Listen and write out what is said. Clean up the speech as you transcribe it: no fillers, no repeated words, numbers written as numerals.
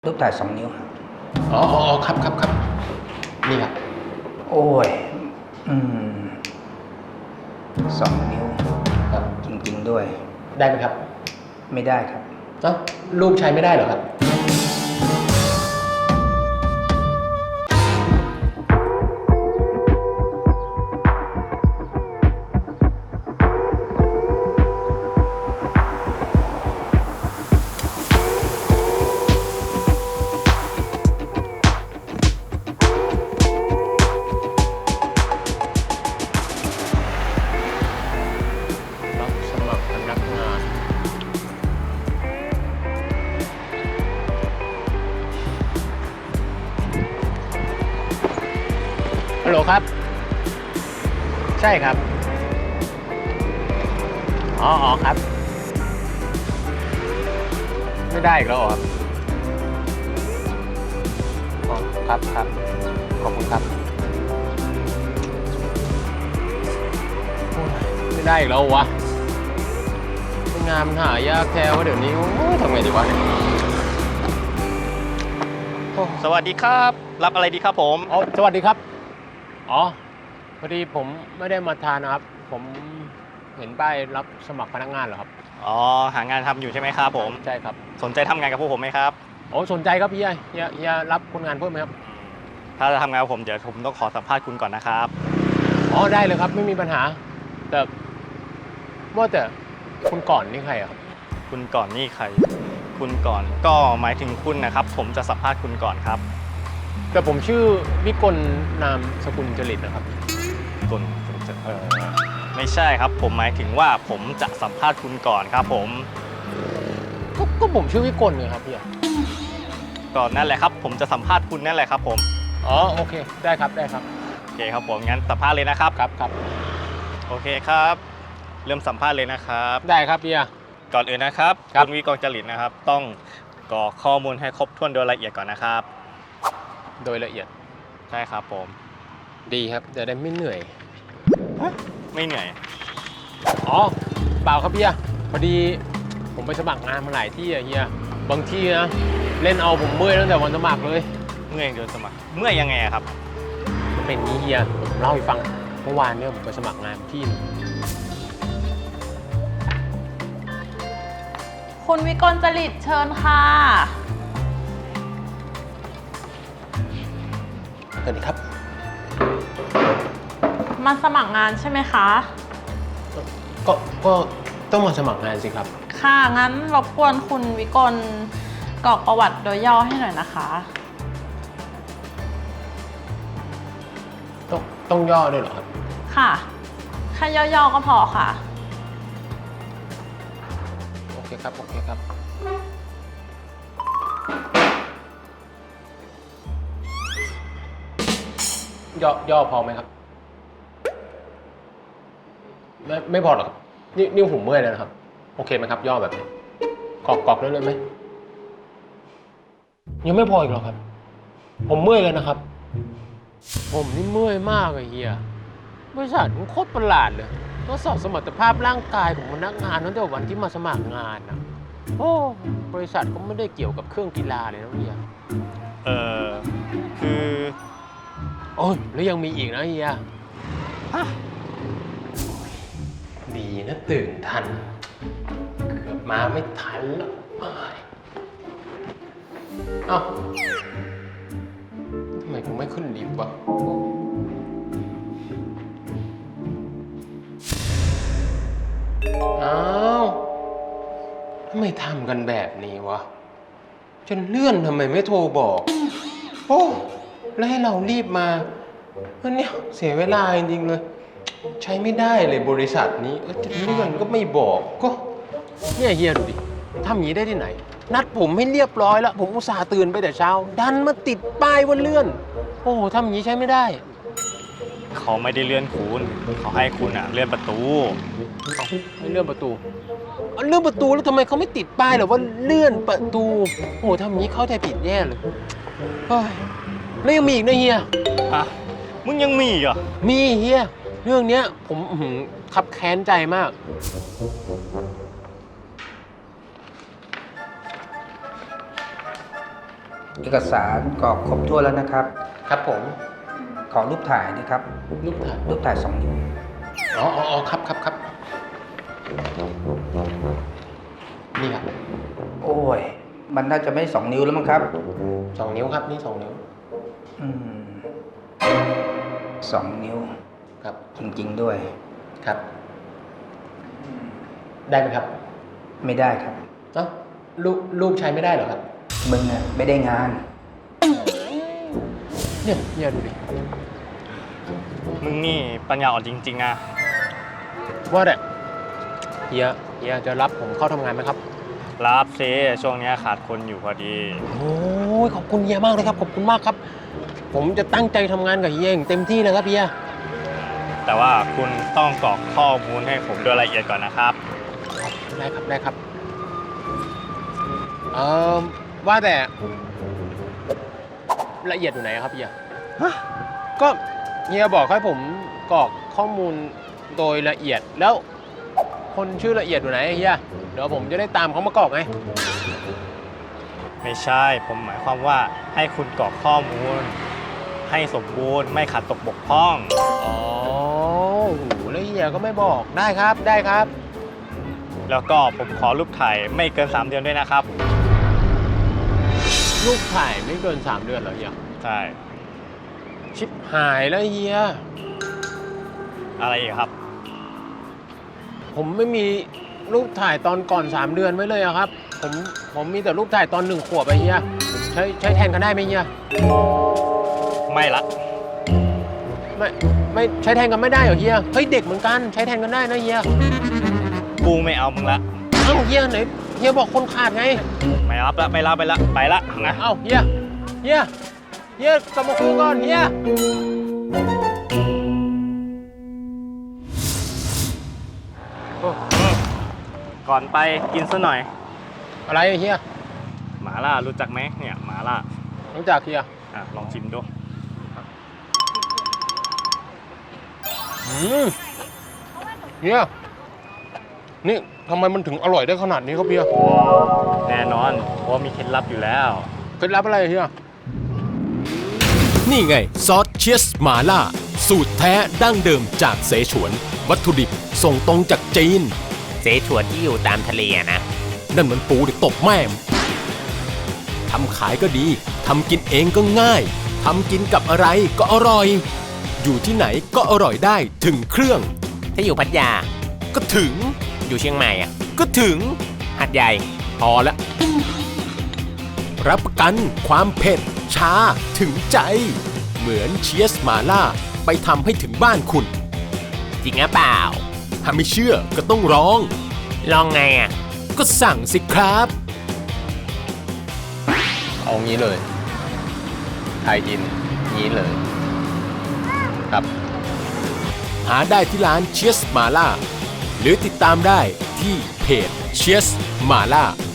รูปถ่าย2 นิ้วครับอ๋อครับนี่ครับโอ้ย2 นิ้วครับจริงๆด้วยได้ไหมครับไม่ได้ครับรูปใช้ไม่ได้เหรอครับรับสมัครพนักงานฮัลโหลครับใช่ครับอ๋อครับไม่ได้อีกแล้วเหรอครับอ๋อครับขอบคุณครับโอ้ยไม่ได้อีกแล้ววะงานมันหายากแท้ว่าเดี๋ยวนี้โอ้ยทำไงดีวะสวัสดีครับ รับอะไรดีครับผมอ๋อสวัสดีครับอ๋อพอดีผมไม่ได้มาทานนะครับผมเห็นป้ายรับสมัครพนักงานเหรอครับอ๋อ หางานทำอยู่ใช่ไหมครับผมใช่ครับสนใจทำงานกับพวกผมไหมครับโอ้สนใจครับพี่เฮียรับคนงานเพิ่มไหมครับถ้าจะทำงานกับผมเดี๋ยวผมต้องขอสัมภาษณ์คุณก่อนนะครับอ๋อได้เลยครับไม่มีปัญหาแต่ว่าแต่คุณก่อนนี่ใครอะครับคุณก่อนนี่ใคร คุณก่อนก็หมายถึงคุณนะครับ ผมจะสัมภาษณ์คุณก่อนครับแต่ผมชื่อวิกลนามสกุลจริตนะครับคุณไม่ใช่ครับ ผมหมายถึงว่าผมจะสัมภาษณ์คุณก่อนครับผมก็ผมชื่อวิกลเนี่ยครับพี่ก่อนนั่นแหละครับ ผมจะสัมภาษณ์คุณนั่นแหละครับผมอ๋อโอเคได้ครับโอเคครับผมงั้นสัมภาษณ์เลยนะครับครับโอเคครับ เริ่มสัมภาษณ์เลยนะครับได้ครับพี่ก่อนอื่นนะครับครับคุณวิกรจริตนะครับ ต้องกรอกข้อมูลให้ครบถ้วนโดยละเอียดก่อนนะครับโดยละเอียดใช่ครับผมดีครับจะได้ไม่เหนื่อยไม่เหนื่อยอ๋อเปล่าครับพี่พอดีผมไปสมัครงานมาหลายที่อะเฮียบางที่นะเล่นเอาผมเมื่อยตั้งแต่วันสมัครเลยเมื่อยโดนสมัครเมื่อยยังไงอะครับมันเป็นนี้เฮียผมเล่าให้ฟังเมื่อวานเนี่ยผมไปสมัครงานที่นึงคุณวิกลจริตเชิญค่ะสวัสดีครับมาสมัครงานใช่ไหมคะก็ต้องมาสมัครงานสิครับค่ะ งั้นรบกวนคุณวิกลกรอกประวัติโดยย่อให้หน่อยนะคะต้องย่อด้วยเหรอครับค่ะแค่ย่อๆก็พอค่ะโอเคครับย่อพอไหมครับไม่พอหรอกครับนี่ผมเมื่อยแล้วนะครับโอเคไหมครับย่อแบบนี้กรอกได้เลยไหมยังไม่พออีกหรอครับผมเมื่อยแล้วนะครับผมนี่เมื่อยมากเลยเฮียบริษัทมันโคตรประหลาดเลยทดสอบสมรรถภาพร่างกายของพนักงานตั้งแต่วันที่มาสมัครงานนะโอ้บริษัทก็ไม่ได้เกี่ยวกับเครื่องกีฬาเลยนะเฮียคือโอ้ยแล้วยังมีอีกนะเฮียดีนะตื่นทันเกือบมาไม่ทันแล้วเอ้าทำไมกูไม่ขึ้นลิฟต์วะอ้าวทำไมทำกันแบบนี้วะจนเลื่อนทำไมไม่โทรบอกโอ้แล้วให้เรารีบมาวันนี้เสียเวลาจริงๆเลยใช้ไม่ได้เลยบริษัทนี้จะเลื่อนก็ไม่บอกก็เนี่ยเฮียดูดิทำอย่างนี้ได้ที่ไหนนัดผมให้เรียบร้อยแล้วผมอุตส่าห์ตื่นไปแต่เช้าดันมาติดป้ายว่าเลื่อนโอ้ทำอย่างนี้ใช้ไม่ได้เขาไม่ได้เลื่อนคุณเขาให้คุณเลื่อนประตูไม่เลื่อนประตูเลื่อนประตูแล้วทำไมเขาไม่ติดป้ายหรอว่าเลื่อนประตูโอ้ทำอย่างนี้เข้าใจผิดแย่เลยแล้วยังมีอีกนะเฮียมึงยังมีเหรอมีเฮียเรื่องเนี้ยผมคับแค้นใจมากเอกสารกรอกครบถ้วนแล้วนะครับครับผมขอรูปถ่ายนะครับรูปถ่ายรูปถ่าย2 นิ้วอ๋อครับนี่ครับโอ้ย มันน่าจะไม่2 นิ้วแล้วมั้งครับ 2 นิ้วครับนี่2 นิ้วอืม2 นิ้วครับจริงๆด้วยครับ ได้ไหมครับไม่ได้ครับเอ้ารูปใช้ไม่ได้เหรอครับมึงอะไม่ได้งานเนี่ยดูดิมึงนี่ปัญญาอ่อนจริงๆอะว่าแต่เฮียจะรับผมเข้าทำงานไหมครับรับซิช่วงเนี้ยขาดคนอยู่พอดีโอ้ยขอบคุณเฮียมากเลยครับขอบคุณมากครับ ผมจะตั้งใจทำงานกับเฮียอย่างเต็มที่เลยครับเฮียแต่ว่าคุณต้องกรอกข้อมูลให้ผมโดยละเอียดก่อนนะครับได้ครับว่าแต่ละเอียดอยู่ไหนครับเฮียก็เฮียบอกให้ผมกรอกข้อมูลโดยละเอียดแล้วคนชื่อละเอียดอยู่ไหนเฮียเดี๋ยวผมจะได้ตามเขามากรอกไงไม่ใช่ ผมหมายความว่าให้คุณกรอกข้อมูล ให้สมบูรณ์ไม่ขาดตกบกพร่องอ๋อโหแล้วเฮียก็ไม่บอกได้ครับแล้วก็ผมขอรูปถ่ายไม่เกิน 3 เดือนด้วยนะครับรูปถ่ายไม่เกิน3 เดือนเหรอเฮียใช่ชิบหายแล้วเฮียอะไรอีกครับผมไม่มีรูปถ่ายตอนก่อน3 เดือนไว้เลยอะครับผมมีแต่รูปถ่ายตอน1 ขวบไปเฮียใช้แทนกันได้ไหมเฮียไม่ละไม่ใช้แทนกันไม่ได้เหรอเฮียเฮ้ยเด็กเหมือนกันใช้แทนกันได้นะเฮียกูไม่เอามึงละเอ้าเฮียไหนเฮียบอกคนขาดไงไม่รับละไม่รับไปละนะเอ้าเฮียกลับมาคุยก่อนเฮียก่อนไปกินซะหน่อยอะไรอะเฮียหมาล่ารู้จักไหมเนี่ยหมาล่ารู้จักเฮียลองชิมดูเฮียนี่ทำไมมันถึงอร่อยได้ขนาดนี้ครับเฮียแน่นอนเพราะว่ามีเคล็ดลับอยู่แล้วเคล็ดลับอะไรเฮียนี่ไงซอสเชียสหมาล่า สูตรแท้ดั้งเดิมจากเสฉวน วัตถุดิบส่งตรงจากจีนเสฉวนที่อยู่ตามทะเลอะนะนั่นมันปูเด็กตบแม่มทำขายก็ดีทำกินเองก็ง่ายทำกินกับอะไรก็อร่อย อยู่ที่ไหนก็อร่อยได้ถึงเครื่องถ้าอยู่พัทยาก็ถึงอยู่เชียงใหม่อะก็ถึงหัดใหญ่พอละรับประกันความเผ็ดชาถึงใจ เหมือนเชียสหมาล่าไปทำให้ถึงบ้านคุณจริงหรือเปล่าถ้าไม่เชื่อก็ต้องร้องลองไงอะก็สั่งสิครับเอางี้เลยไทยอินงี้เลย ครับหาได้ที่ร้านเชียสมาล่าหรือติดตามได้ที่เพจเชียสมาล่า